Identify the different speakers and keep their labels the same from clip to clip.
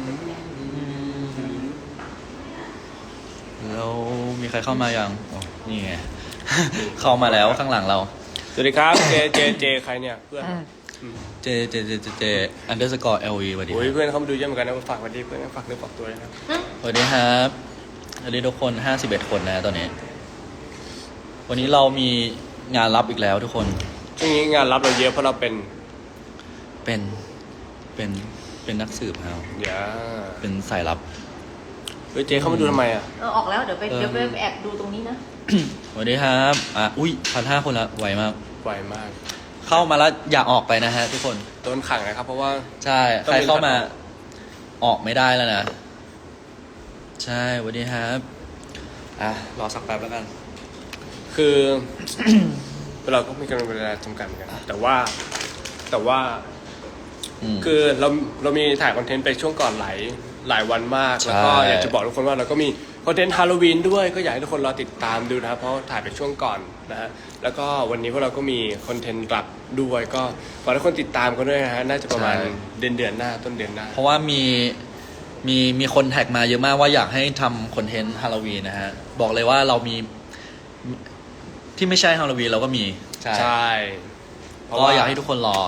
Speaker 1: แล้วมีใครเข้ามายังอ๋อนี่ไง เข้ามาแล้วข้างหลังเรา
Speaker 2: สวัสดีครับเจใครเนี่ยเพื่อน
Speaker 1: เจunderscore LV สวัสดี
Speaker 2: โอ้ยเพื่อนเขามาดูเยอะเหมือนกันนะฝากสวัสดีเพื่อนฝากเนื้อฝากตัวเลยนะ
Speaker 1: สวัสดีครับสวัสดีทุกคน51คนนะตอนนี้วันนี้เรามีงานรับอีกแล้วทุกคน
Speaker 2: ช่วงนี้งานรับเราเยอะเพราะเราเป็น
Speaker 1: เป็นนักสืบครับ
Speaker 2: อย่า
Speaker 1: เป็นสายลับ
Speaker 2: เฮ้ยเจเข้ามาดูทำไมอ่ะ
Speaker 3: ออกแล้วเดี๋ยวไปแอบดูตรงนี้นะ
Speaker 1: สวัสดีครับอุ้ย1,500 คนละไวมาก
Speaker 2: ไวมาก
Speaker 1: เข้ามาแล้วอย่าออกไปนะฮะทุกคน
Speaker 2: โดนขังนะครับเพราะว่า
Speaker 1: ใช่ใครเข้ามาออกไม่ได้แล้วนะใช่สวัสดีครับรอสักแป๊บแล้วกัน
Speaker 2: คือ เราก็มีกำลังเวลาจำกัดเหมือนกันแต่ว่าคือเรามีถ่ายคอนเทนต์ไปช่วงก่อนหลายวันมากแล้วก็อยากจะบอกทุกคนว่าเราก็มีคอนเทนต์ฮาโลวีนด้วยก็อยากให้ทุกคนรอติดตามดูนะครับเพราะถ่ายไปช่วงก่อนนะฮะแล้วก็วันนี้พวกเราก็มีคอนเทนต์รับด้วยก็ฝากทุกคนติดตามกันด้วยนะฮะน่าจะประมาณเดือนหน้าต้นเดือนหน้า
Speaker 1: เพราะว่ามีคนแท็กมาเยอะมากว่าอยากให้ทำคอนเทนต์ฮาโลวีนนะฮะบอกเลยว่าเรามีที่ไม่ใช่ฮาโลวีนเราก็มี
Speaker 2: ใช่
Speaker 1: ก็อยากให้ทุกคนรอ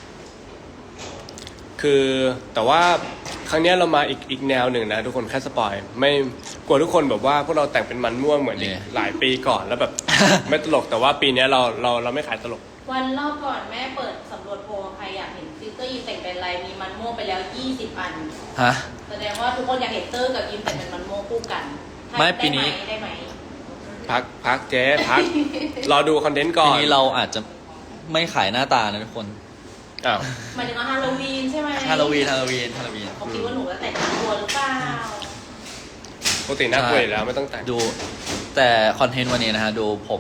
Speaker 2: คือแต่ว่าครั้งนี้เรามาอีกแนวหนึ่งนะทุกคนแค่สปอยไม่กลัวทุกคนแบบว่าพวกเราแต่งเป็นมันม่วงเหมือนหลายปีก่อนแล้วแบบ ไม่ตลกแต่ว่าปีนี้เราไม่ขายตลก
Speaker 3: วันรอบก่อนแม่เปิดสำรวจโพลใครอยากเห็นฟิลเตอร์ยิมแต่งเป็นอะไรมีมันม่วงไปแล้ว20 อัน
Speaker 1: ฮะ
Speaker 3: แสดงว่าทุกคนอยากเห็นเตอร์กับยิมแต่งเป็นมันม่วงคู่กัน
Speaker 1: ไม่ปีนี้
Speaker 3: ได้ไหม
Speaker 2: พักเจ๊พัก รอดูคอนเทนต์ก่อน
Speaker 1: ปีนี้เราอาจจะไม่ขายหน้าตานะทุกคน
Speaker 3: หมายถึงว่าฮาโลวีนใช่ไหม
Speaker 1: ฮาโลวีน
Speaker 3: เขาคิดว่าหนูจะแต่งตัวหรือเปล่า
Speaker 2: ปกติน่ากลัวอยู่แล้วไม่ต้องแต่ง
Speaker 1: ดูแต่คอนเทนต์วันนี้นะฮะดูผม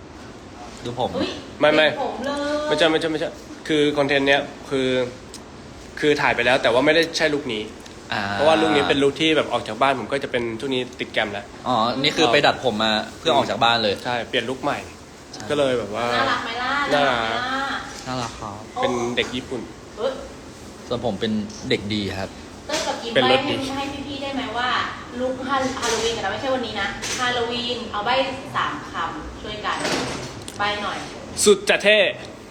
Speaker 2: ไม่
Speaker 3: ผมเลย
Speaker 2: ไม่ใช่คือคอนเทนต์เนี้ยคือถ่ายไปแล้วแต่ว่าไม่ได้ใช่ลุคนี้เพราะว่าลุคนี้เป็นลุคที่แบบออกจากบ้านผมก็จะเป็นช่วงนี้ติดแกรมแล้ว
Speaker 1: นี่คือไปดัดผมมาเพื่อออกจากบ้านเลย
Speaker 2: ใช่เปลี่ยนลุคใหม่ก็เลยแบบว่า
Speaker 3: น่ารักไหมล่ะ
Speaker 1: น่ารักครับ
Speaker 2: เป็นเด็กญี่ปุ่น
Speaker 1: ส่วนผมเป็นเด็กดีครับ
Speaker 3: เต้นกับกิมใบให้พี่ๆได้ไหมว่าลุคฮาโลวีนกันนะไม่ใช่วันนี้นะฮาโลวีนเอาใบ3 คำช่วยกันใบหน่อย
Speaker 2: สุดจะเท่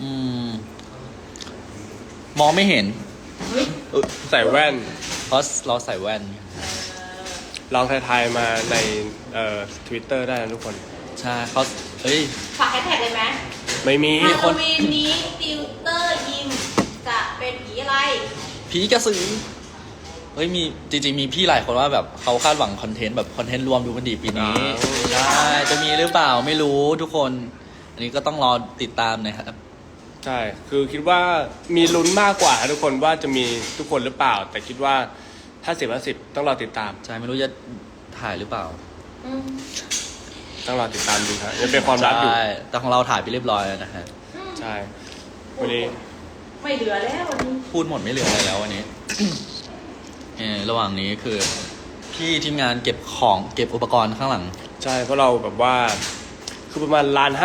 Speaker 1: มองไม่เห็น
Speaker 2: ใส่แว่น
Speaker 1: เพราะเราใส่แว่น
Speaker 2: ลองทายมาในTwitter ได้นะทุกคน
Speaker 1: ใช่เขา
Speaker 3: ฝากแฮชแท็กเลยไหม
Speaker 2: ไม่มี
Speaker 3: ฮาโลวีนนี้ติวเตอร์ยิมจะเป็นผีอะไร
Speaker 1: ผีกระสือมีจริงๆมีพี่หลายคนว่าแบบเขาคาดหวังคอนเทนต์แบบคอนเทนต์รวมดูมันดีปีนี้ใช่จะมีหรือเปล่าไม่รู้ทุกคนอันนี้ก็ต้องรอติดตามนะครับ
Speaker 2: ใช่คือคิดว่ามีลุ้นมากกว่าทุกคนว่าจะมีทุกคนหรือเปล่าแต่คิดว่า50/50ต้องรอติดตาม
Speaker 1: ใช่ไม่รู้จะถ่ายหรือเปล่า
Speaker 2: ต้องรอติดตามดูครับยังเป็นความลับอยู่
Speaker 1: ใช่แต่ของเราถ่ายไปเรียบร้อยแล้วนะฮะ
Speaker 2: ใช่วันนี้
Speaker 3: ไม่เหลือแล้ววันนี้
Speaker 1: พูดหมดไม่เหลืออะไรแล้ววันนี้ ระหว่างนี้คือพี่ทีมงานเก็บอุปกรณ์ข้างหลัง
Speaker 2: ใช่เพราะเราแบบว่าคือประมาณ1.5 ล้าน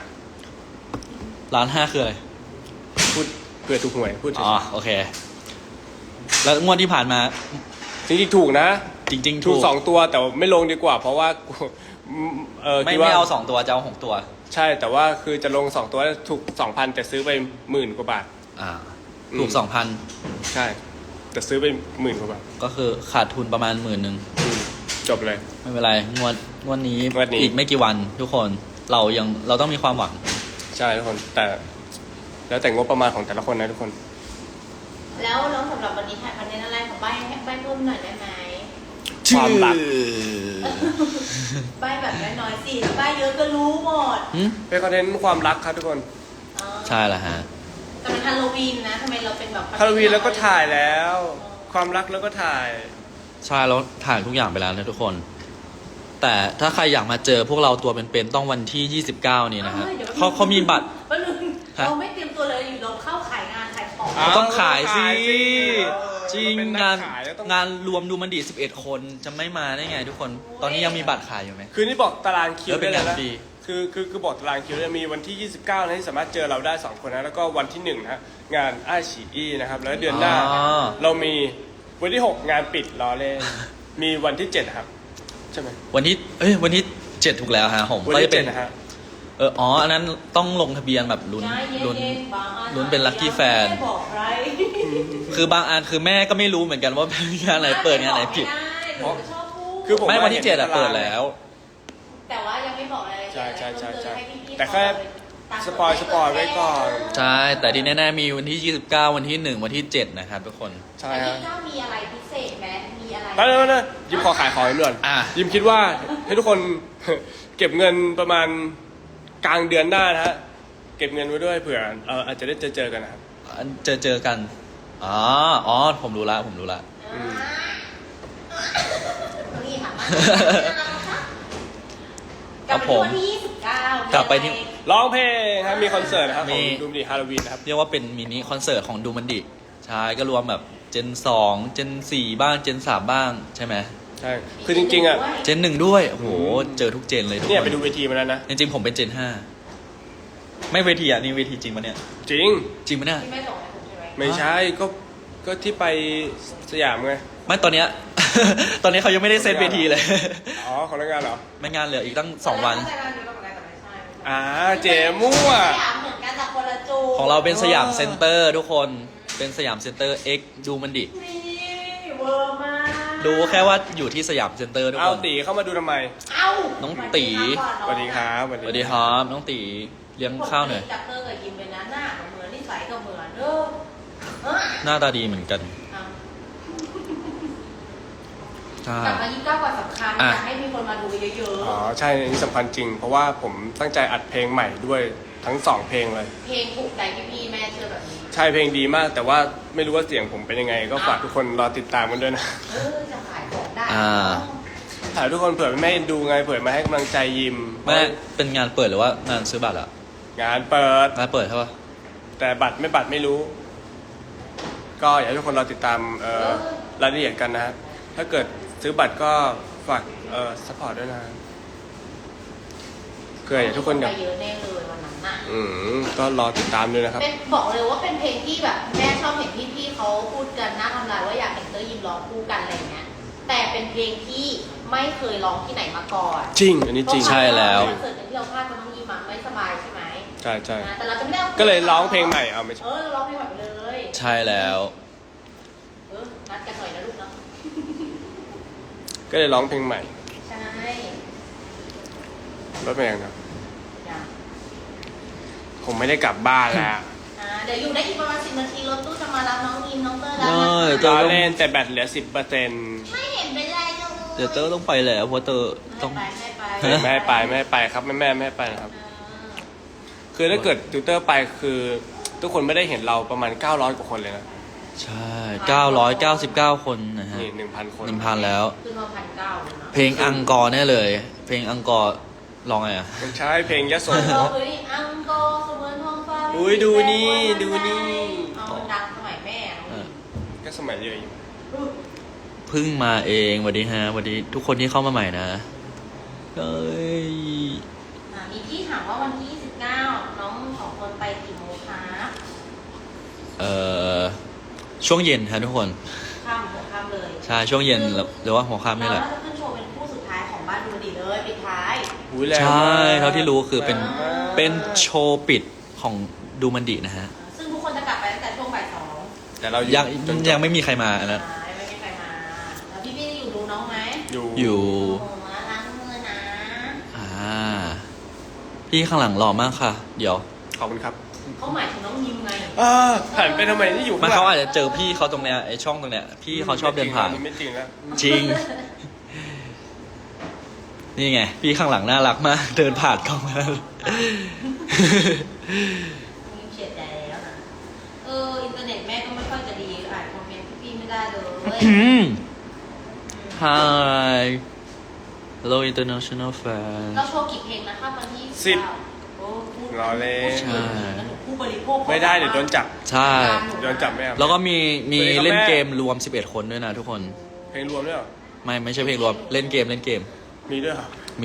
Speaker 1: 1.5คืออะไร
Speaker 2: พูดเผื่อถูกหวยพูด
Speaker 1: โอเคแล้วงวดที่ผ่านมา
Speaker 2: จริงๆถูกนะ
Speaker 1: จริงๆ
Speaker 2: ถูก2 ตัวแต่ไม่ลงดีกว่าเพราะว่า
Speaker 1: ไม่เอา2 ตัวจะเอา6 ตัว
Speaker 2: ใช่แต่ว่าคือจะลง2 ตัวถูก 2,000 แต่ซื้อไป10,000 กว่าบาท
Speaker 1: ถูก 2,000
Speaker 2: ใช่แต่ซื้อไป10,000 กว่าบาท
Speaker 1: ก็คือขาดทุนประมาณ10,000
Speaker 2: จบเลย
Speaker 1: ไม่เป็นไรงวดนี้อีกไม่กี่วันทุกคนเราต้องมีความหวัง
Speaker 2: ใช่ทุกคนแต่แล้วแต่งบประมาณของแต่ละคนนะทุกคน
Speaker 3: แล้วสำหรับวันนี้ถ่ายคอนเทนต์อะไรของใบเพิ่มหน่อยได้ไหม
Speaker 2: ความรัก
Speaker 3: ใบแบบน้อยๆสิใบเยอะก็รู้หมด
Speaker 2: เป็นคอนเทนต์ความรักครับทุกคน
Speaker 1: ใช่แล้วฮะ
Speaker 3: แต่เป็นฮาโลวีนนะทำไมเราเป็นแบบ
Speaker 2: ฮาโลวีนแล้วก็ถ่ายแล้วความรักแล้วก็ถ่าย
Speaker 1: ใช่แล้วถ่ายทุกอย่างไปแล้วนะทุกคนแต่ถ้าใครอยากมาเจอพวกเราตัวเป็นๆต้องวันที่29นี้นะฮะเขามีบัตร
Speaker 3: เราไม่เตรียมตัวเลยอยู่เราเข้าขายงานขายของ
Speaker 1: ต้องขายสิจริงงานรวมดูมันดี11 คนจะไม่มาได้ไงทุกคนตอนนี้ยังมีบัตรขายอยู่ไหม
Speaker 2: คือนี่บอกตารางคิวได้เลยนะคือบอกตารางคิวจะมีวันที่29นะที่สามารถเจอเราได้2 คนนะแล้วก็วันที่1นะงานอ้ายฉีอี้นะครับแล้วเดือนหน้าเรามีวันที่ 6 งานปิดล้อเล่น มีวันที่ 7 ครับ ใช่ไหม
Speaker 1: วันที่7ถูกแล้วฮะผม
Speaker 2: วัน
Speaker 1: ก็
Speaker 2: ที่
Speaker 1: จะเป็น
Speaker 2: 7นะฮะ
Speaker 1: อ๋ออันนั้นต้องลงทะเบียนแบบลุ้นเป็น Lucky Fan
Speaker 3: ไม่บอกใคร
Speaker 1: คือบางอันคือแม่ก็ไม่รู้เหมือนกันว่าเป็นงานไหนเปิดงานไหนผิด
Speaker 3: ไม่ได้หนูจะชอบพูด
Speaker 2: คือผม
Speaker 1: ไม่วันที่
Speaker 2: เห็น
Speaker 1: 7อะ
Speaker 2: ตาราง
Speaker 1: เปิดแล้ว
Speaker 3: แต่ว่ายังไม่บอกอะไรเลย
Speaker 2: ใช่ใช่ใช่ใช่
Speaker 3: ให้พี่ๆ
Speaker 2: แต่แค่
Speaker 3: ตาม
Speaker 2: สปอยไว้ก่อน
Speaker 1: ใช่ แต่ที่แน่ๆมีวันที่ 29 วันที่ 1 วันที่ 7 นะครับทุกคน
Speaker 2: ใช่
Speaker 3: แต่
Speaker 2: ฮะ
Speaker 3: ที่เจ้ามีอะไรพิเศษไหมมีอะไร
Speaker 2: แล้วยิมขอขายของอีกหน่อย
Speaker 1: อ่ะ
Speaker 2: ยิมคิดว่าให้ทุกคน เก็บเงินประมาณกลางเดือนหน้านะฮะ เก็บเงินไว้ด้วยเผื่ออาจจะได้เจอกันนะครับ
Speaker 1: เจอกัน อ๋อ ผมรู้ละ
Speaker 3: นี่ค่ะ
Speaker 1: ครั
Speaker 3: กับบ
Speaker 1: ผม
Speaker 3: วันที่29
Speaker 1: กลับไปที่
Speaker 2: ร้องเพลงครับมีคอนเสิร์ตนะครับข
Speaker 1: มี
Speaker 2: องดูมดีฮาโลวีนนะครับ
Speaker 1: เรียกว่าเป็นมินิคอนเสิร์ตของดูมันดิใช่ก็รวมแบบเจน 2 เจน 4 บ้าง เจน 3 บ้างใช่ไหม
Speaker 2: ใช่ คือจริงๆอ่ะ
Speaker 1: เจน 1 ด้วย โอ้โห เจอทุกเจนเลยทุก
Speaker 2: เนี่ย
Speaker 1: ค
Speaker 2: ไป
Speaker 1: น
Speaker 2: ดูเวทีมาแล้วนะ
Speaker 1: จริงๆผมเป็นเจน 5 ไม่เวทีอ่ะ นี่เวทีจริงปะเนี่ย
Speaker 2: จริง
Speaker 1: จริงปะเนี่ย
Speaker 3: ที่ไม่ส่งให้ผมใช่ไหม
Speaker 2: ไม่ใช่ก็ที่ไปสยามไง
Speaker 1: ไม่ตอนเนี้ย ตอนนี้เขายังไม่ได้เซตเวทีเลย
Speaker 2: อ๋อของรายงานเหรอ
Speaker 1: ไม่งานเหลืออีกตั้ง 2 วัน
Speaker 3: แต่งานอยู่แล้วเหมือนกันแต่ไม่ใช่
Speaker 2: เจมั่ว
Speaker 3: สยามเหมือนกันแต่คนละจู
Speaker 1: ของเราเป็นสยามเซ็นเตอร์ทุกคน เป็นสยามเซ็นเตอร์ X ดูมันดิ
Speaker 3: นี่เวอร์มาก
Speaker 1: รู้แค่ว่าอยู่ที่สยามเซ็นเตอร์ทุก
Speaker 2: เอา
Speaker 1: คน
Speaker 2: ตีเข้ามาดูทำไม
Speaker 3: เอ้า
Speaker 1: น้องตี
Speaker 2: สวัสดีครับ
Speaker 1: สวัสดีครับน้องตีเลี้ยงข้าวหน่อย
Speaker 3: จับเตอร์กับยิมเลยนะหน้าก็เหมือนนิสัยก็เหมือนเด้อ
Speaker 1: หน้าตาดีเหมือนกันใช่
Speaker 3: กลับมา29กว่าสำคัญ
Speaker 1: อ่ะ
Speaker 3: อยากให้มีคนมาดูเยอะ
Speaker 2: อ๋อใช่อันนี้สำคัญจริง เพราะว่าผมตั้งใจอัดเพลงใหม่ด้วยทั้งสองเพลงเลย
Speaker 3: ๆเพลงถูกใจพี่ๆแม่เชื่อแบบนี้
Speaker 2: ใช่เพลงดีมาก แต่ว่าไม่รู้ว่าเสียงผมเป็นยังไง ก็ฝากทุกคนรอติดตามกันด้วยนะ
Speaker 3: จะขายของได้
Speaker 2: ถ่ายทุกคนเผื่อแม่ดูไงเผื่อมาให้กำลังใจยิม
Speaker 1: แม่เป็นงานเปิดหรือว่างานซื้อบัตรอะ
Speaker 2: งานเปิด
Speaker 1: งานเปิดใช่ปะ
Speaker 2: แต่บัตรไม่รู้ ก็อยากให้ทุกคนรอติดตามรายละเอียดกันนะฮะถ้าเกิดซื้อบัตรก็ฝากซัพพอร์ตด้วยนะเผื่ออยากให้ทุกคนอยาก
Speaker 3: ไปเยอะแน่เลยวันนั้นน่ะ
Speaker 2: ก็รอติดตามด้วยนะครับ
Speaker 3: เป็นบอกเลยว่าเป็นเพลงที่แบบแม่ชอบเห็นพี่ๆเขาพูดกันหน้าทำลายว่าอยากเห็นเตอร์ยิมร้องคู่กันอะไรเงี้ยแต่เป็นเพลงที่ไม่เคยร้องที่ไหนมาก่อน
Speaker 2: จริง อันนี้จริง
Speaker 1: ใช่แล้ว
Speaker 3: คอนเสิร์ตที่เราพลาดเพราะน้องยิมไม่สบายใช่ไหม
Speaker 2: ใช่ใช่
Speaker 3: นะแต่เราจะไม่ได้อา
Speaker 2: ก็เลยร้องเพลงใหม่เอาไม่ใช่
Speaker 3: เราร้องเพลงใหม่ไปเลย
Speaker 1: ใช่แล้ว
Speaker 3: นัดกันหน่อยนะลูกเนาะ
Speaker 2: ก็เลยร้องเพลงใหม่
Speaker 3: ใช่
Speaker 2: รถแมงนะ
Speaker 3: จ้ะ
Speaker 2: ผมไม่ได้กลับบ้านแล้ว
Speaker 3: เดี๋ยวอยู่ได้อีกประมาณ10 นาทีรถตู้จะมารับน้องยิมน้องเตอร์แล้ว
Speaker 1: เออ
Speaker 3: นะ
Speaker 2: ร
Speaker 3: คะ
Speaker 2: อเล่นแต่แบตเหลือ 10%
Speaker 3: ไม่เห็นเป็นไรเลย
Speaker 1: เดี๋ยวเตอร์ต้องไปแล้วเพราะเตอร์ต้อง
Speaker 3: ไม่
Speaker 2: ไม่ให้ไปครับแม่ไม่ให้ไปนะครับ คือถ้าเกิดติวเตอร์ไปคือทุกคนไม่ได้เห็นเราประมาณ900กว่าคนเลยนะ
Speaker 1: ใช่999 คนนะฮะ
Speaker 2: นี่ 1,000 คน
Speaker 1: 1,000 แล้ว
Speaker 3: คือมา1,900เลยนะ
Speaker 1: เพลงอังกอร์แน่เลย เพลงอังกอร์ลองไงอะ
Speaker 2: มันใช้เพลงยโส
Speaker 3: เราคือนี่อังกอร์เสมือนท้องฟ้า
Speaker 2: อุ๊ยดูนี่ดูนี่
Speaker 3: เอามันดังสมัยแม่
Speaker 1: เออ
Speaker 2: ก็สมัยเยอะอยู่
Speaker 1: เพิ่งมาเองสวัสดีฮะสวัสดีทุกคนที่เข้ามาใหม่นะเอ้ย
Speaker 3: มีที่ถามว่าวันที่29น้อง2คนไปกี่โมงคะ
Speaker 1: ช่วงเย็นฮะทุกคน
Speaker 3: ข้ามหัวข้ามเลย
Speaker 1: ใช่ช่วงเย็นหรือว่าหัวค่ำนี่แหละ
Speaker 3: เราจะขึ้นโชว์เป็นคู่สุดท้ายของบ้านดูดีเลยปิดท้าย
Speaker 2: อุ๊ยแรง
Speaker 1: ใช่
Speaker 2: มาก
Speaker 1: เท่าที่รู้คือเป็น
Speaker 2: แรงมาก
Speaker 1: เป็นโชว์ปิดของดูมันดีนะฮะ
Speaker 3: ซึ่งทุกคนจะกลับไปตั้งแต่ช่วงบ่ายสอง
Speaker 2: แต่เรา
Speaker 1: ยัง
Speaker 2: จนจบ
Speaker 1: ยังไม่มีใครมาอันนั้น
Speaker 3: ไม่มีใครมา แล้วพี่ๆอยู่ดูน้องไหม
Speaker 1: อยู่
Speaker 3: โอ้โหล้างมือนะ
Speaker 1: พี่ข้างหลังหล่อมากค่ะ เดี๋ยว
Speaker 2: ขอบคุณครับ
Speaker 3: เขาหมายถึงน้องยิมไง
Speaker 2: หันไปทำไมที่อยู่
Speaker 1: มัน
Speaker 2: ข้างห
Speaker 1: เขา
Speaker 2: ลัง
Speaker 1: อาจจะเจอพี่เขาตรงเนี้ยไอช่องตรงเนี้ยพี่เขาชอบเดินผ่าน
Speaker 2: ไม่จริงแล้ว
Speaker 1: จริง นี่ไง พี่ข้างหลังน่ารักมาก เดินผ่านกล้องมา
Speaker 3: ยิมเฉียดใจแล้วนะอินเทอร์เน็ตแม่ก็ไม่ค่อยจะดีอ่านคอมเมนต์พี่ๆไม่ได้เลย
Speaker 1: Hi Hello international fan
Speaker 3: เราโชว์กี่เพลงนะคะวันที่
Speaker 2: 10
Speaker 3: โอ้พูด
Speaker 2: รอเล่น
Speaker 1: ใช่
Speaker 3: ผู้บริโภค
Speaker 2: ไม่ได้เดี๋ยวโดนจับ
Speaker 1: ใช่
Speaker 2: โดนจับไม่เอา
Speaker 1: แล้วก็มี
Speaker 2: สวัสดีครับ
Speaker 1: เล่น
Speaker 2: แม่
Speaker 1: เกมรวม 11 คนด้วยนะทุกคน
Speaker 2: เพลงรวมด้วยเหรอ
Speaker 1: ไม่ใช่เพลงรวม เล่นเกม
Speaker 2: มีด้วยเหรอ
Speaker 1: มี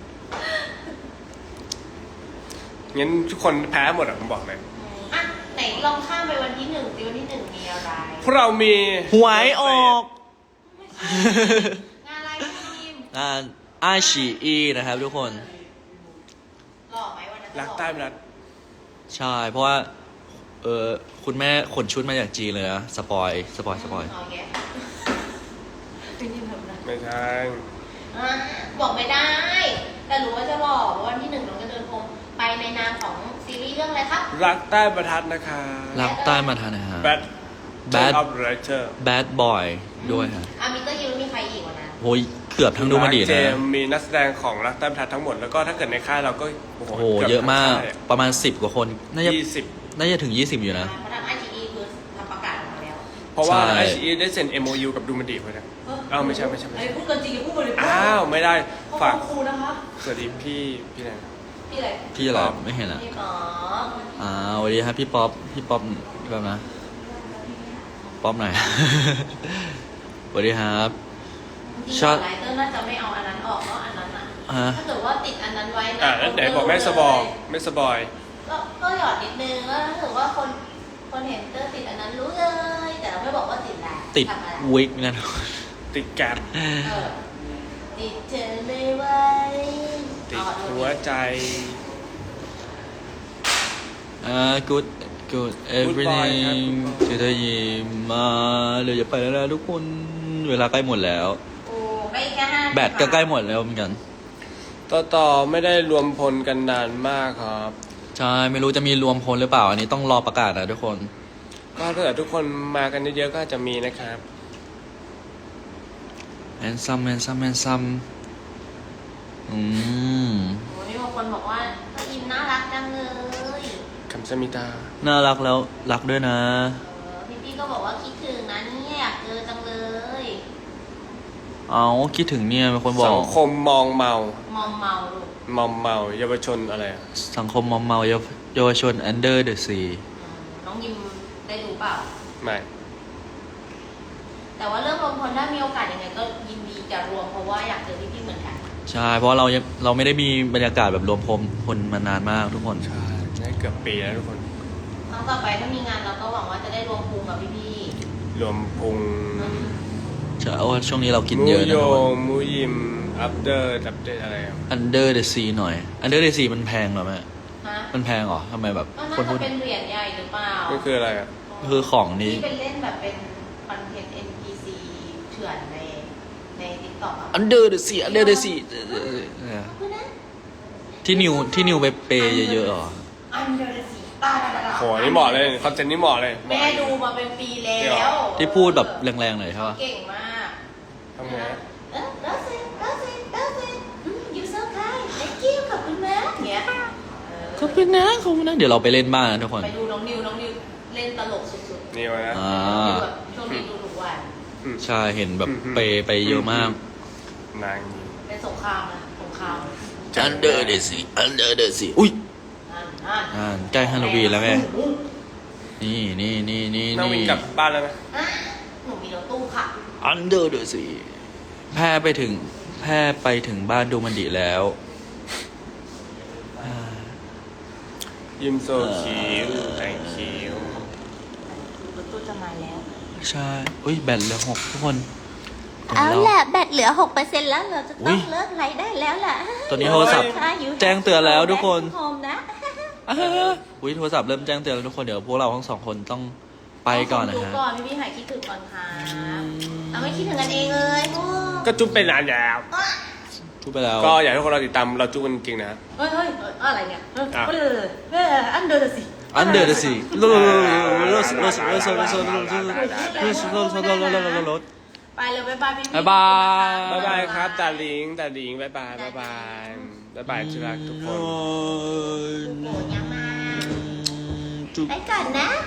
Speaker 2: งั้นทุกคนแพ้หมดอ่ะผมบอกเลย
Speaker 3: อ่ะไหนลองข้ามไปวันที่หนึ่งสิวันที่หนึ่งมีอะไร
Speaker 2: พวกเรามี
Speaker 1: หวยออก
Speaker 3: งานอะไรพี่ทีม
Speaker 1: งานอาชีอีนะครับทุกคน
Speaker 3: หล่อไหมวันนั้น
Speaker 2: รักใต้ไม่รัก
Speaker 1: ใช่ เพราะว่า คุณแม่ขนชุดมาจากจีนเลยนะสปอย
Speaker 3: เอาแยะพี่ทีมทำอะไร
Speaker 2: ไม่ใช่
Speaker 3: อ่ะบอกไม่ได้ แต่รู้ว่าจะหล่อเพราะวันที่หนึ่งน้องจะเดินพรมไปในนามของซีรีส์เรื่องอะไรครับ
Speaker 2: รักใต้ประทัดนะคะ
Speaker 1: รักใต้มาทานนะฮะ
Speaker 2: Bad
Speaker 1: Bad
Speaker 2: of Writer
Speaker 1: Bad Boy ด้วยฮะ
Speaker 3: มิสเตอร์ยูมีใครอีกวันนั้น
Speaker 1: โอ้ยเกือบทั้งดูมันดี
Speaker 2: เจ
Speaker 1: นะ
Speaker 2: มส์มีนักแสดงของรักใต้ประทัดทั้งหมดแล้วก็ถ้าเกิดในค่ายเราก็
Speaker 1: โอ้โห เยอะมาก ประมาณ 10 กว่าคน น่าจะ
Speaker 2: 20
Speaker 1: น่าจะถึง 20 อยู่นะ
Speaker 3: เพราะทาง IGE คือทำประกาศออกมาแล้ว
Speaker 2: เพราะว่า
Speaker 1: ใช่
Speaker 2: ICE ได้เซ็น MOU กับดูมันดีไปนะอ้าวไม่ใช่
Speaker 3: ไอ้พูดเกินจริงอย่าพูดบริโภค
Speaker 2: อ้าวไม่ได้
Speaker 3: ฝา
Speaker 2: ฝาก ก
Speaker 3: ครูนะคะ
Speaker 2: สวัสดีพี่ไหน
Speaker 3: พี่อะไร
Speaker 1: พี่อะไรไม่เห็นอ่ะ
Speaker 3: พี่ป๋อ
Speaker 1: สวัสดีครับพี่ป๊อปแบบนะ ป๊อปหน่อย สวัสดีครับ
Speaker 3: จริง
Speaker 1: ชอบ
Speaker 3: ๆไลเตอร์น่าจะไม่เอาอันนั้นออกเนาะอันนั้นอ่ะ
Speaker 1: ฮะ
Speaker 3: ถ้าเกิดว่าติดอันนั้นไว้นะ
Speaker 2: แล้วไหนบอกไม่สบอยไม่สบอย
Speaker 3: ก็หยอดนิดนึงแล้วถ้าเกิดว่าคนเห็นเตอร์ติดอันนั้นรู้เลย แต่เราไม่บอกว่าติดอะไร
Speaker 1: ติด
Speaker 3: ทำอะไร
Speaker 1: วิกนะ
Speaker 2: ติดแก๊ป
Speaker 3: เออติดเธอไม่ไหว
Speaker 2: ติดหัวใจ
Speaker 1: good everything จะได้ยินมาเดี๋ยวจะไปแล้วนะทุกคน เวลาใกล้หมดแล้ว
Speaker 3: โอ้ไม่แค่5
Speaker 1: แบตก็ใกล้หมดแล้วเหมือนกัน
Speaker 2: ต่อไม่ได้รวมพลกันนานมากครับ
Speaker 1: ใช่ ไม่รู้จะมีรวมพลหรือเปล่า อันนี้ต้องรอประกาศนะทุกคน
Speaker 2: ก็ถ้าเกิดทุกคนมากันเยอะๆก็จะมีนะครับ
Speaker 1: แอนซัมอืม
Speaker 3: โอ้มีบางคนบอกว่าก็อินน่ารักจังเลย
Speaker 2: คำสมิตา
Speaker 1: น่ารักแล้วรักด้วยนะ
Speaker 3: พี่ก็บอกว่าคิดถึงนะเนี่ยอยากเจอจังเลย
Speaker 1: เอาคิดถึงเนี่ยมีคนบอ
Speaker 2: สั
Speaker 1: ก
Speaker 2: งคมมองเมา
Speaker 3: มอมเมาลูก
Speaker 2: มอมเมาเยาวชนอะไรอะ
Speaker 1: สังคมมอมเมาเยาวชน Under the Sea
Speaker 3: น้องยิมได้ดูเปล่า
Speaker 2: ไม่
Speaker 3: แต่ว่าเรื่องรวมพลถ้ามีโอกาสยังไงก็ยินดีจะรวมเพราะว่าอยากเจอพี่ๆเหมือนกัน
Speaker 1: ใช่ เพราะเราไม่ได้มีบรรยากาศแบบรวมพลมานานมากทุกคน
Speaker 2: ใช่ได้เกือบปีแล้วทุกคน
Speaker 3: ครั้งต่อไปถ้ามีงานเราก็หวังว่าจะได้รวมภูมิกับพี่
Speaker 2: รวมพุง
Speaker 3: ๆ
Speaker 1: ใช่โอ้ช่วงนี้เรากิน
Speaker 2: มู
Speaker 1: เยอะ
Speaker 2: โย
Speaker 1: นะทุกคน
Speaker 2: มูยิมอัปเดตอะไรอะ
Speaker 1: Under the Sea หน่อย Under the Sea มันแพงเหรอแม่
Speaker 3: ฮะ
Speaker 1: มันแพงเหรอทำไมแบบ
Speaker 3: ก็น่า
Speaker 1: คน
Speaker 3: จะ
Speaker 1: พูด
Speaker 3: เป็นเหรียญใหญ่หรือเปล่า
Speaker 2: นี่คืออะไรอะ
Speaker 1: คือของนี้
Speaker 3: ที่เป็นเล่นแบบเป็นคอนเทนต์ NPC เถื่อนใน TikTok อ่ะ
Speaker 1: Under the Sea Under the Sea
Speaker 3: คือนะ
Speaker 1: ที่นิวไปเปย์เยอะๆเหรอ
Speaker 3: อันเดอร์สีตา
Speaker 2: โหนี่เหมาะเลยคอนเทนต์นี้เหมาะเลย
Speaker 3: แม่ดูมาเป็นปีแล้
Speaker 2: เดี๋ยว
Speaker 3: ว
Speaker 1: ที่พูดแบบแรงๆหน่อยใช่ปะ
Speaker 3: เก่งมาก
Speaker 2: ทำไงอะ
Speaker 3: that's it you so kind thank you ขอบคุณนะเงี้ย
Speaker 1: ขอบคุณนะเดี๋ยวเราไปเล่นบ้านนะทุกคน
Speaker 3: ไปดูน้องนิวเล่นตลกสุด
Speaker 2: นี่วะนะ
Speaker 1: อ่า
Speaker 3: ๆนิวแบบช่วงนี้ดูทุกวัน
Speaker 1: ใช่เห็นแบบเปย์เยอะมาก
Speaker 2: นางนี้
Speaker 3: เป็นสงครามนะสงคราม
Speaker 1: Under the Sea Under the Sea อุ้ย
Speaker 3: นั่น
Speaker 1: ใกล้ฮาโลวีนแล้วไงนี่
Speaker 2: นั่งวิ่งกลับบ้านแล้วนะ
Speaker 3: อ่ะหนูมีรถตู้ค่ะ
Speaker 1: Under the Sea แพร่ไปถึงบ้านดูมันดีแล้ว
Speaker 2: ยิมโซคิว thank you
Speaker 3: รถตู้จะมาแล้ว
Speaker 1: ใช่อุ้ยแบตเหลือ6ทุกคน
Speaker 3: เอา
Speaker 1: ดี๋ยว
Speaker 3: แหละแบตเหลือ 6%แล้วเราจะ
Speaker 1: อุ๊
Speaker 3: ต้อย งเลิกไลฟ์ได้แล้วแหละ
Speaker 1: ตอนนี้โทรศัพท์แจ้งเตือนแล้วทุกคน
Speaker 3: โฮมนะ
Speaker 1: อุ้ยโทรศัพท์เริ่มแจ้งเตือนแล้วทุกคนเดี๋ยวพวกเราทั้งสองคนต้องไปก่อนนะ
Speaker 3: ดู
Speaker 1: ฮะ
Speaker 3: ก่อนพี่หายคิดถึงก่อนค่ะเอาไม่คิดถึงกันเองเลยพวก
Speaker 2: ก็จุ๊บไปนานแล้ว
Speaker 1: พูดไปแล้ว
Speaker 2: ก็อยากให้ทุกคนเราติดตามเราจุ๊บกันจริงๆนะ
Speaker 3: เฮ้ยอะไรเนี่ย
Speaker 2: อ่ะ
Speaker 3: อันเดอร์สิ
Speaker 1: Under the Sea รถ
Speaker 3: ไปเลยบ๊ายบายพี่
Speaker 1: บ๊ายบาย
Speaker 2: บ๊ายบายครับตาลิงบ๊ายบายบ๊ายบายที่รักทุกคน
Speaker 3: โอ้ยังมาไปก่อนนะ